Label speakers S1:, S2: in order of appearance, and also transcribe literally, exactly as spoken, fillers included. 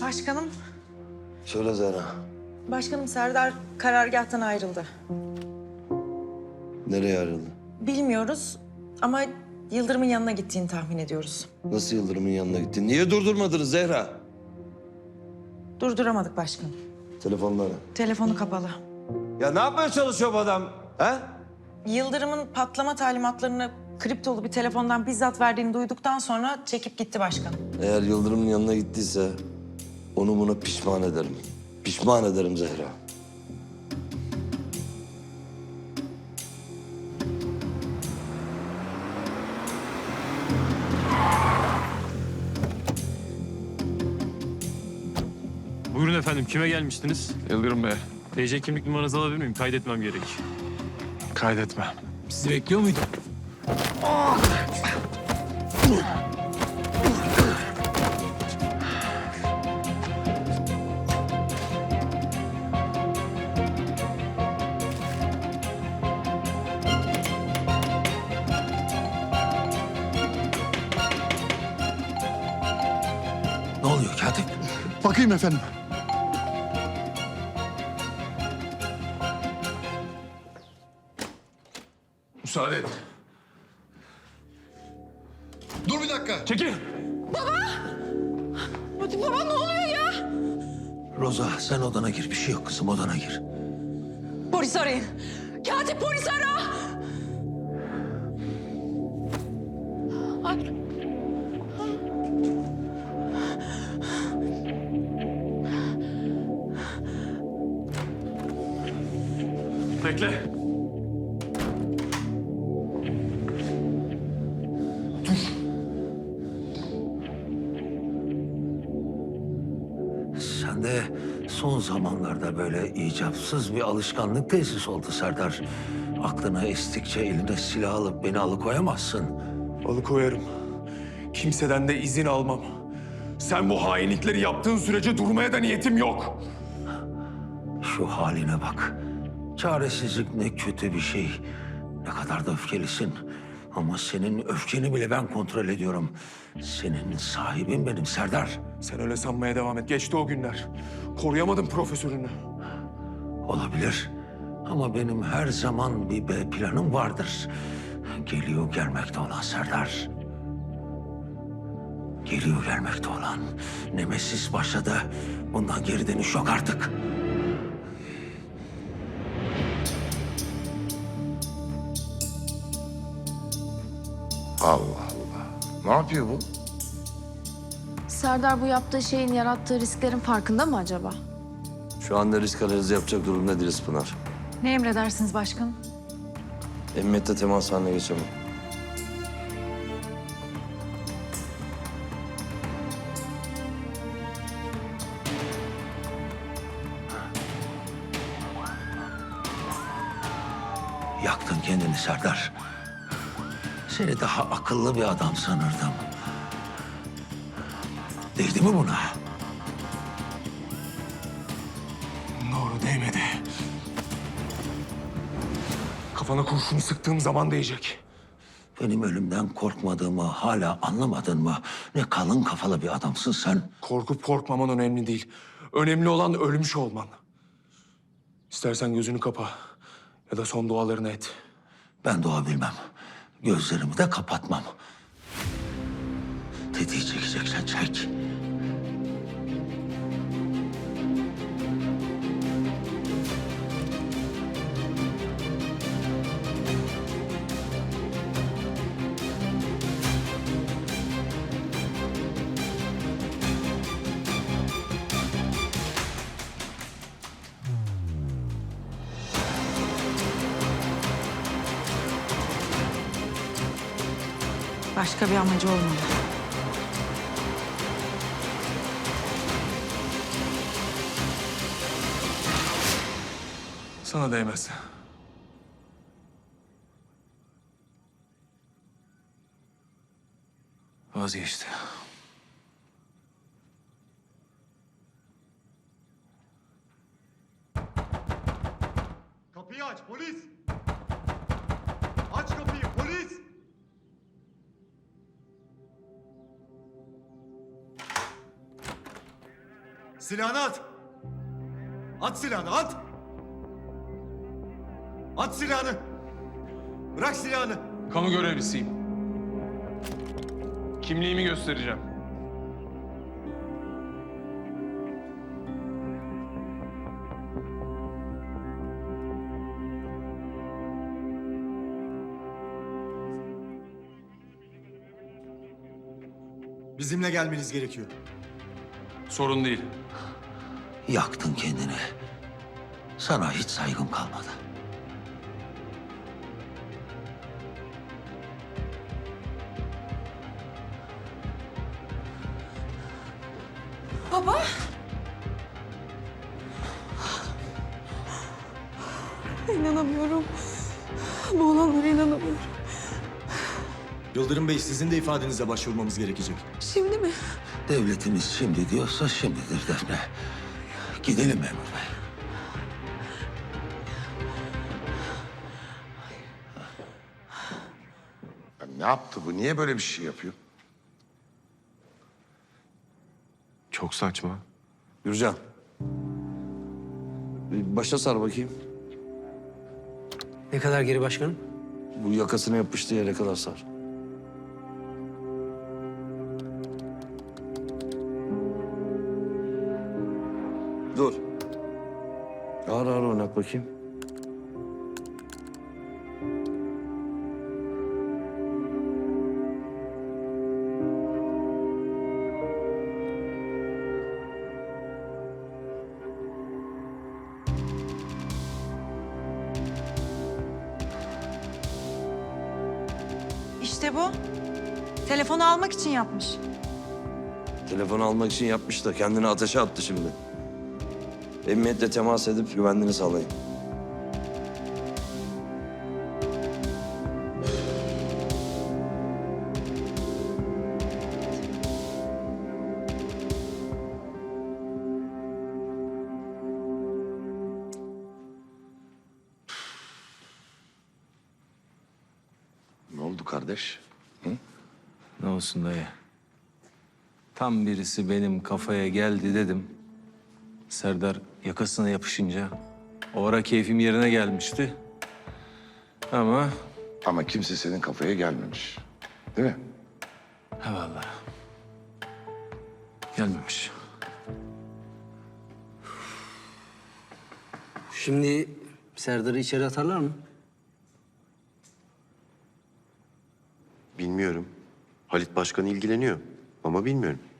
S1: Başkanım,
S2: Söyle Zehra.
S1: başkanım Serdar karargâhtan ayrıldı.
S2: Nereye ayrıldı?
S1: Bilmiyoruz ama Yıldırım'ın yanına gittiğini tahmin ediyoruz.
S2: Nasıl Yıldırım'ın yanına gittin? Niye durdurmadınız Zehra?
S1: Durduramadık başkanım.
S2: Telefonları.
S1: Telefonu kapalı.
S2: Ya ne yapmaya çalışıyor bu adam? He?
S1: Yıldırım'ın patlama talimatlarını kriptolu bir telefondan bizzat verdiğini duyduktan sonra çekip gitti başkanım.
S2: Eğer Yıldırım'ın yanına gittiyse onu buna pişman ederim. Pişman ederim Zehra.
S3: Buyurun efendim, kime gelmiştiniz?
S4: Yıldırım Bey,
S3: T C kimlik numaranızı alabilir miyim? Kaydetmem gerek.
S4: kaydetme.
S3: Sizi bekliyor muydum?
S2: Ne oluyor Katip?
S5: Bakayım efendim.
S4: Müsaade et.
S5: Dur bir dakika.
S4: Çekil.
S6: Baba ne oluyor ya?
S2: Roza sen odana gir. Bir şey yok kızım, odana gir.
S6: Polis arayın. Katip polis ara. Ay.
S4: Bekle.
S7: Sende son zamanlarda böyle icapsız bir alışkanlık tesis oldu Serdar. Aklına estikçe eline silah alıp beni alıkoyamazsın.
S4: Alıkoyarım. Kimseden de izin almam. Sen bu hainlikleri yaptığın sürece durmaya da niyetim yok.
S7: Şu haline bak. Çaresizlik ne kötü bir şey. Ne kadar da öfkelisin. Ama senin öfkeni bile ben kontrol ediyorum. Senin sahibin benim Serdar.
S4: Sen öyle sanmaya devam et. Geçti o günler. Koruyamadım profesörünü.
S7: Olabilir. Ama benim her zaman bir B planım vardır. Geliyor gelmekte olan Serdar. Geliyor gelmekte olan. Nemesis başladı. Bundan geri dönüş yok artık.
S8: Allah Allah. Ne yapıyor bu?
S9: Serdar bu yaptığı şeyin yarattığı risklerin farkında mı acaba?
S2: Şu anda risk analizi yapacak durumda değiliz Pınar.
S1: Ne emredersiniz başkanım?
S2: Emniyette temas haline geçemem.
S7: Yaktın kendini Serdar. Seni daha akıllı bir adam sanırdım. Değdi mi buna?
S4: Doğru değmedi. Kafana kurşunu sıktığım zaman değecek.
S7: Benim ölümden korkmadığımı hala anlamadın mı? Ne kalın kafalı bir adamsın sen.
S4: Korkup korkmaman önemli değil. Önemli olan ölmüş olman. İstersen gözünü kapa ya da son dualarını et.
S7: Ben dua bilmem. Gözlerimi de kapatmam. Tetiği çekeceksen çek.
S1: Başka bir amacı olmalı.
S4: Sana değmez. Vazgeçti.
S5: Kapıyı aç polis. Aç kapıyı polis. Silahını at. At silahını at. At silahını. Bırak silahını.
S4: Kamu görevlisiyim. Kimliğimi göstereceğim.
S5: Bizimle gelmeniz gerekiyor.
S4: Sorun değil.
S7: Yaktın kendini. Sana hiç saygım kalmadı.
S6: Baba. İnanamıyorum. Bu olanlara inanamıyorum.
S5: Yıldırım Bey, sizin de ifadenize başvurmamız gerekecek.
S6: Şimdi mi?
S7: Devletimiz şimdi diyorsa şimdidir Defne. Gidelim memur bey.
S8: Ya ne yaptı bu? Niye böyle bir şey yapıyor?
S3: Çok saçma.
S2: Gürcan. Bir başa sar bakayım.
S10: Ne kadar geri başkanım?
S2: Bu yakasına yapıştığı yere kadar sar. Dur. Ağır ağır oynat bakayım.
S1: İşte bu. Telefonu almak için yapmış.
S2: Telefonu almak için yapmış da kendini ateşe attı şimdi. Emniyetle temas edip güvenliğini sağlayın.
S8: Ne oldu kardeş?
S11: Ne olsun dayı. Tam birisi benim kafaya geldi dedim. Serdar yakasına yapışınca o ara keyfim yerine gelmişti. Ama
S8: Ama kimse senin kafaya gelmemiş. Değil mi?
S11: he vallahi gelmemiş.
S10: Şimdi Serdar'ı içeri atarlar mı?
S12: Bilmiyorum. Halit Başkan ilgileniyor ama bilmiyorum.